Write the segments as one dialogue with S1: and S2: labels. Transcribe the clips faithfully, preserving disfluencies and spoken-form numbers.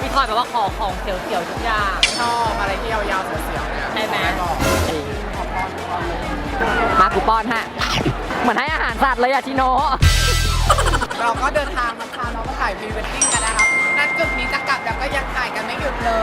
S1: พี่ทอยแบบว่าขอของเสียวๆทุกอย่าง
S2: ชอบอะไรที่ยาวๆเสียวๆเนี่ย
S1: ใช่ไหม
S2: บอก
S1: มากูป้อนฮะเหมือนให้อาหารสัตว์เลยอะชิโน
S2: เราก็เดินทางมาค่ะเราก็ถ่ายพรีเวดดิ้งกันนะครับณจุดนี้จะกลับแล้วก็ยังถ่ายกันไม่หยุดเลย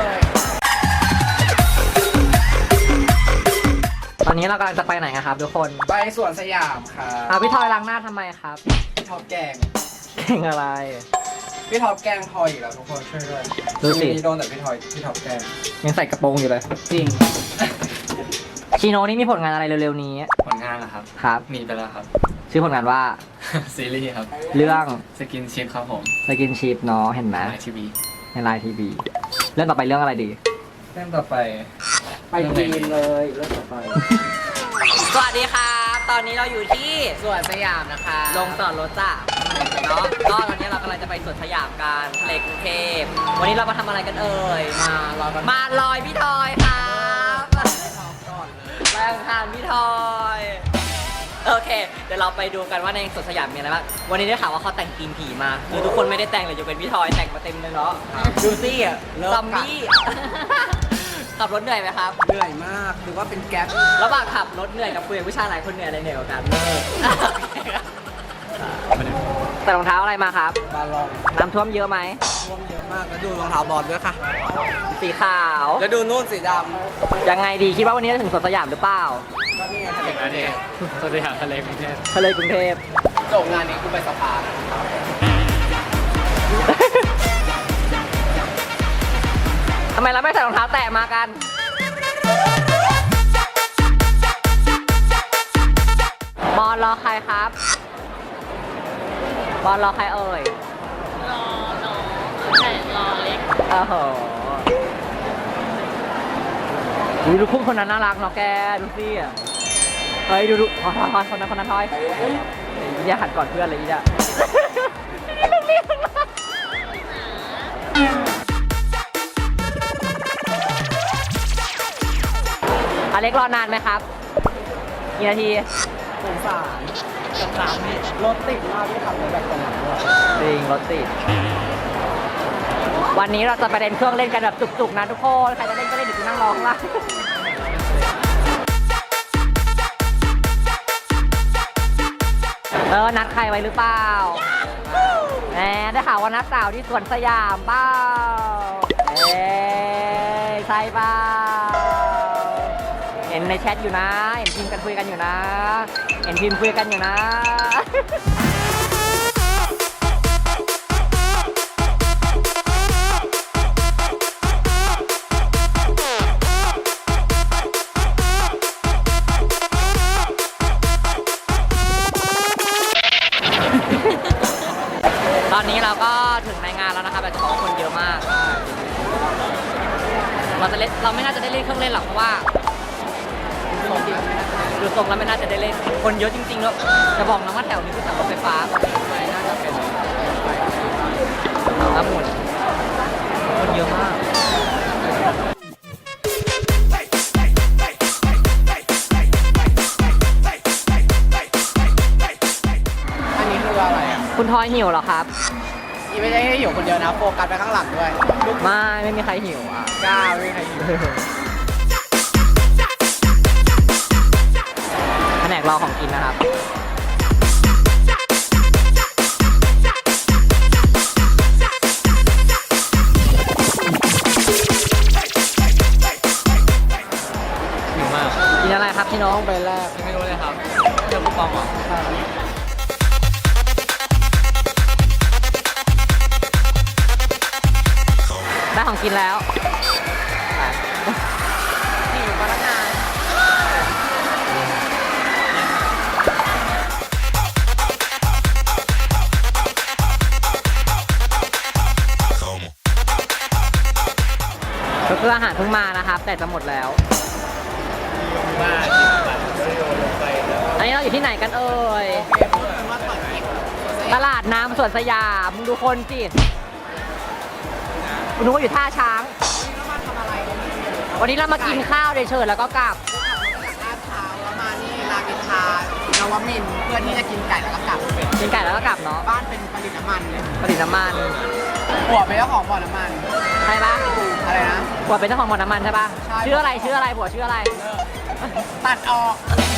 S1: ตอนนี้เรากำลังจะไปไหนกันครับทุกคน
S2: ไปสวนสยามครับ
S1: อ่ะพี่ทอยล้างหน้าทำไมครับ
S2: พี่ท็อปแกง
S1: เก่งอะไร
S2: พี่ท็อปแกงทอยอีกแล้วทุกคนช่วยด้วย
S1: ดูสิ
S2: ช่วงนี้โดนแต่พี่ทอยพี่ท็อปแกง
S1: ยังใส่กระโปรงอยู่เลย
S2: จริง
S1: ชิโนนี่มีผลงานอะไรเร็วๆนี้
S3: ผลงานเหรอครับ
S1: ครับ
S3: มีไปแล้วครับ
S1: ชื่อผลงานว่า
S3: ซีรีส์ครับ
S1: เรื่อง
S3: สกินชิพครับผม
S1: สกินชิพเนาะเห็นไหม
S3: ไอทีวี
S1: ในไลน์ทีวีเรื่องต่อไปเรื่องอะไรดี
S3: เรื่องต่อไป
S1: ไปจีนเลยเรื่องต่อไป สวัสดีครับ ตอนนี้เราอยู่ที่
S2: สวนสยามนะคะ
S1: ลงจอดรถจ้ะเนาะก็ตอนนี้เรากำลังจะไปสวนสยามกันทะเลกรุงเทพวันนี้เรามาทำอะไรกันเอ่ย
S2: มารอกัน
S1: มาลอยพี่ทอยครับ
S2: ก่อนเลย
S1: แรงทานพี่ทอยโอเค เดี๋ยวเราไปดูกันว่าในสวนสยามมีอะไรบ้างวันนี้ได้ข่าวว่าเขาแต่งธีมผีมาคือทุกคนไม่ได้แต่งเลยยกเป็นพี่ทอยแต่งมาเต็มเลยเนาะดูสิซอมบี้ ขับรถเหนื่อยไหมครับ
S2: เหนื่อยมากหรือว่าเป็นแก๊ป
S1: ระหว่างขับรถเหนื่อยกับคุยกับผู้ชายหลายคนเหนื่อยอะไรเหนื่อยกว่ากันเลิกแต่รองเท้าอะไรมาครับ
S2: บาลอง
S1: น้ำท่วมเยอะไหม
S2: ท่วมเยอะมากแล้วดูรองเท้าบอลด้วยค่ะ
S1: สีขาว
S2: แล้วดูนู่นสีด
S1: ยังไงดีคิดว่าวันนี้จะถึงสวนสยามหรือเปล่า
S2: ำก็นี่ไงทะเล
S3: อันนี้สวัสดีครับทะเลกรุงเทพ
S1: ทะเลกรุงเทพ
S2: จบงานนี้กูไปสภา
S1: ทำไมเราไม่ใส่รองเท้าแตะมากัน บอลรอใครครับ บอลรอใครเอ่ย
S4: รอน้องใช่รอเล็ก
S1: โอ้โหอุ๊ยดูคู่คนนั้นน่ารักเนาะแก ดูสิอ่ะเฮ้ย ดูดูทอยทอยทอยคนนั้นคนนั้นทอยอีเนี่ยหันก่อนเพื่อนเลยอีเนี่ยอเล็กรอนานไหมครับกี่นาที
S2: สงสารกับร้านนี้รถติดมากที่ขับรถแบบตรงนั้นด้วย
S1: จริงรถติด วันนี้เราจะไปเล่นเครื่องเล่นกันแบบจุกๆนะทุกคน ใครจะเล่นก็เล่นเดี๋ยวกูนั่งรอข้างล่างเออ นัดใครไว้หรือเปล่าแหมได้ข่าวว่านัดสาวที่สวนสยามเปล่าเอ้ยใช่เปล่าเห็นในแชทอยู่นะ เห็นพิมพ์กันคุยกันอยู่นะ เห็นพิมพ์คุยกันอยู่นะ ตอนนี้เราก็ถึงในงานแล้วนะครับแต่จะบอกว่าคนเยอะมาก เราจะเล่นเราไม่น่าจะได้เล่นเครื่องเล่นหรอกเพราะว่าดูทรงแล้วไม่น่าจะได้เล่น คนเยอะจริงๆแล้วจะบอกนะว่าแถวนี้คือแถวรถไฟฟ้าน่าจะเป็นน้ำหมุนคนเยอะมาก
S2: อันนี้คืออะไรอ่ะ
S1: คุณทอยหิวเหรอครับ
S2: นี่ไม่ใช่ให้หิวคนเดียวนะโฟกัสไปข้างหลังด้วย
S1: ไม่ไม่มีใครหิวอ่ะ
S2: กล้าไม่มีใครหิว
S1: แผนกรอของกินนะครับ
S3: หิวมาก
S1: กินอะไรครับพี่น้อง
S2: ไปแรก
S3: ยังไม่รู้เลยครับเรื่องคูปองเหรอ
S1: ได้ของกินแล้วหิวพนักงานก็คืออาหารเพิ่งมานะครับ แต่จะหมดแล้ว
S3: บ้าน
S1: อันนี้เราอยู่ที่ไหนกันเอ่ย ตลาดน้ำสวนสยามมึงดูคนสิคุณนึกว่าอยู่ท่าช้าง วันนี้เรามากินข้าวเฉยๆแล้วก็กลับ
S2: ลาดเท้าแล้วมานี่รามอินทรานวมินทร์เพื่อที่จะกินไก่แล้วก็กลับ
S1: กินไก่แล้วก็กลับเนาะ
S2: บ้านเป็นผลิตน้ำมันเลย
S1: ผลิตน้ำมัน
S2: ผัวเป็นเจ้าของบ่อน้ำมัน
S1: ใช่ปะ
S2: อะไรนะ
S1: ผัวเป็นเจ้าของบ่อน้ำมันใช่ปะ
S2: ใช่
S1: ชื่ออะไรชื่ออะไรผัวชื่ออะไร
S2: ตัดออก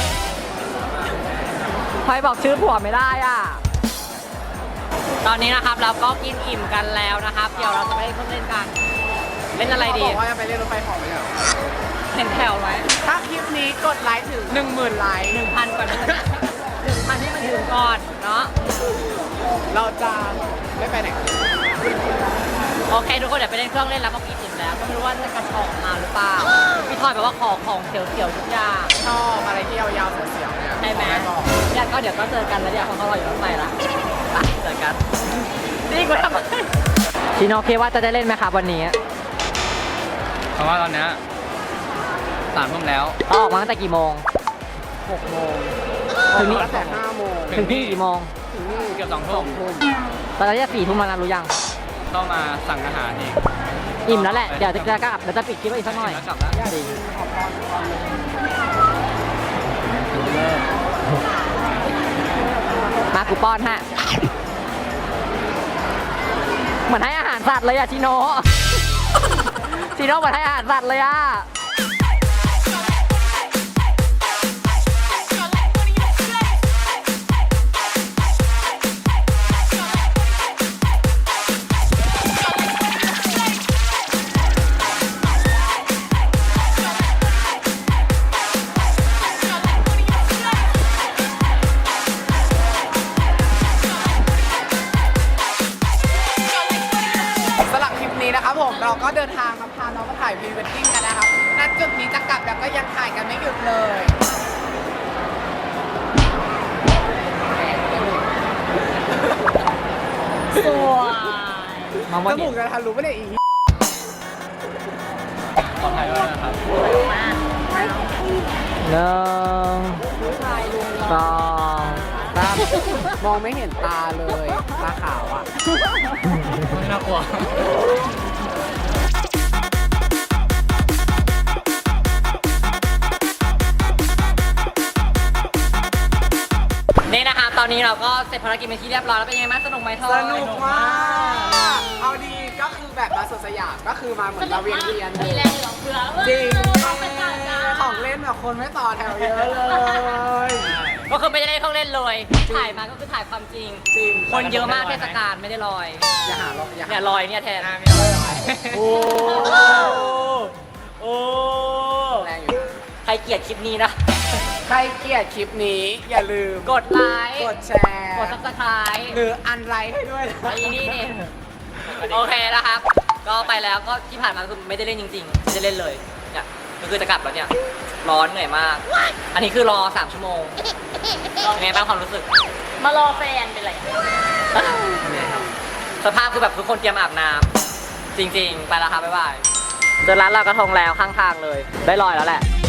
S1: พลอยบอกชื่อผัวไม่ได้อ่ะ ตอนนี้นะครับเราก็กินอิ่มกันแล้วนะครับ เดี๋ยวเราจะไปเล่นเครื่องเล่นกัน เล่นอะไรดี
S2: เขาบอกว่าจะไปเล่นรถไฟเหาะไม่ใช่เหรอ
S1: เห็นแถวไหม
S2: ถ้าคลิปนี้กดไลค์ถึงหนึ่งหมื่นไลค์
S1: หนึ่งพันก่อนนะหนึ่งพันให้มันถึงก่อนเนาะ
S2: เราจะไม่ไปไหนกัน
S1: โอเคทุกคนเดี๋ยวไปเล่นเครื่องเล่นแล้วก็กินอิ่มแล้ว ก็ไม่รู้ว่าจะกระชอกมาหรือเปล่า พี่ทอยบอกว่าขอของเสียวๆทุกอย่าง
S2: ชอบอะไรที่ยาวๆเสียวๆเนี่ย
S1: ใช่ไหม
S2: บอก
S1: เนี่ยก็เดี๋ยวก็เจอกันแล้วเดี๋ยวเขาก็รออยู่รถไฟละไปเจอกันนี่กูทำไมชิโนเคว่าจะได้เล่นไหมครับวันนี้
S3: เพราะว่าตอนเนี้ยสามทุ่มแล้ว
S1: ต้องออกมาตั้งแต่กี่โมง
S2: หกโมง
S1: ถึงนี่
S2: ตั้งแต่ห้าโมง
S1: ถึงที่กี่โมง
S2: ถึงนี่
S3: เกือบสองทุ่ม
S1: ตอนนี้จะสี่ทุ่มแล้วนะรู้ยัง
S3: ต้องมาสั่งอาหารอีก
S1: อิ่มแล้วแหละ เดี๋ยวจะกลับเดี๋ยวจะปิดคลิปไว้อีกสักหน่อย
S3: แล้วกลับแล้ว
S1: จริง
S2: ขอบคุณขอบคุณ
S1: มากูป้อนฮะ เหมือนให้อาหารสัตว์เลยอะชิโน ชิโนเหมือนให้อาหารสัตว์เลยอะ
S2: สำหรับคลิปนี้นะครับผมเราก็เดินทางมาพาน้องมาถ่ายพรีเวดดิ้งกันนะครับณจุดนี้จะกลับแล้วก็ยังถ่ายกันไม่หยุดเลย
S4: สวย
S1: มอง
S2: จ
S1: ว่า
S2: มูกจะทะลุไม่ได้อีก
S3: ปลอดภัยด้วยนะครับ
S1: หนึ่งสองสาม
S2: มองไม่เห็นตาเลยตาขาวอ่ะ
S3: ไม่น่ากลัว
S1: นี่นะคะตอนนี้เราก็เสร็จภารกิจเป็นที่เรียบร้อยแล้วเป็นยังไงบ้างสนุกไหมทอย
S2: สนุกมาก เอาดีก็คือแบบมาสวนสยามก็คือมาเหมือนเราเวียนเวียน
S4: มีแรงเหลือเฟือ
S2: จริง
S4: เอาไปจ่ายจ้า
S2: ของเล่นแบบคนไม่ต่อแถวเยอะเลย
S1: ก็คือไม่ได้เล่นเครื่องเล่นเลย ถ่ายมาก็คือถ่ายความจริง
S2: จริง
S1: คนเยอะมากเทศกาลไม่ได้ลอย
S2: อย่าหาลอยอย่า
S1: เนี่
S2: หาย
S1: ลอยเนี่ยแทน
S2: โอ้
S1: โอ้
S2: แรงอยู่นะ
S1: ใครเกลียดคลิปนี้นะ
S2: ใครเกลียดคลิปนี้อย่าลืม
S1: กดไลค์
S2: กดแชร์
S1: กดซับสไครต์
S2: หรืออันไลค์ให้ด้วยนะ
S1: ไอ้นี่นี่โอเคนะครับ ก็ไปแล้วก็ที่ผ่านมาคือไม่ได้เล่นจริงๆไม่ได้เล่นเลยเนี่ยก็คือจะกลับแล้วเนี่ยร้อนเหนื่อยมาก อันนี้คือรอสามชั่วโมงเป็นไงบ้างความรู้สึก
S4: มารอแฟนเป็นไร
S1: สภาพคือแบบทุกคนเตรียมอาบน้ำจริงๆ ไปแล้วครับบ๊ายบายเจอร้านลอยกระทงแล้วข้างทางเลย ได้ลอยแล้วแหละ